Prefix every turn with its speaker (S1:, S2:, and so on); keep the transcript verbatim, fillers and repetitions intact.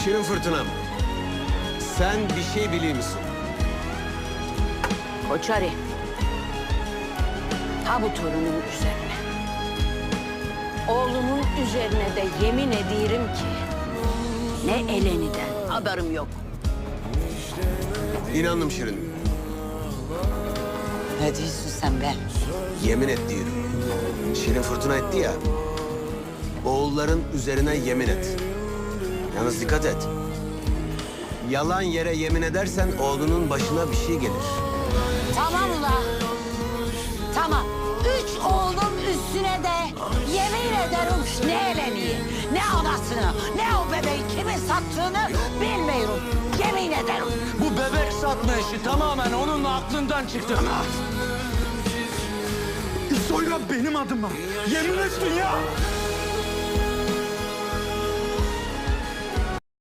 S1: Şirin Fırtınam, sen bir şey biliyor musun?
S2: Koçari. Ha bu torunun üzerine. Oğlumun üzerine de yemin ediyorum ki ne Eleni'den haberim yok.
S1: İnandım Şirin.
S2: Ne diyorsun sen be?
S1: Yemin et diyorum. Şirin Fırtına etti ya. Oğulların üzerine yemin et. Yalnız dikkat et. Yalan yere yemin edersen oğlunun başına bir şey gelir.
S2: Tamam ula. Tamam. Üç oğlum üstüne de yemin ederim ne Eleni'yi, ne anasını, ne o bebeği kimin sattığını bilmiyorum. Yemin ederim.
S3: Bu bebek satma işi tamamen onun aklından çıktı.
S4: Soygan benim adıma. Yemin ettin ya.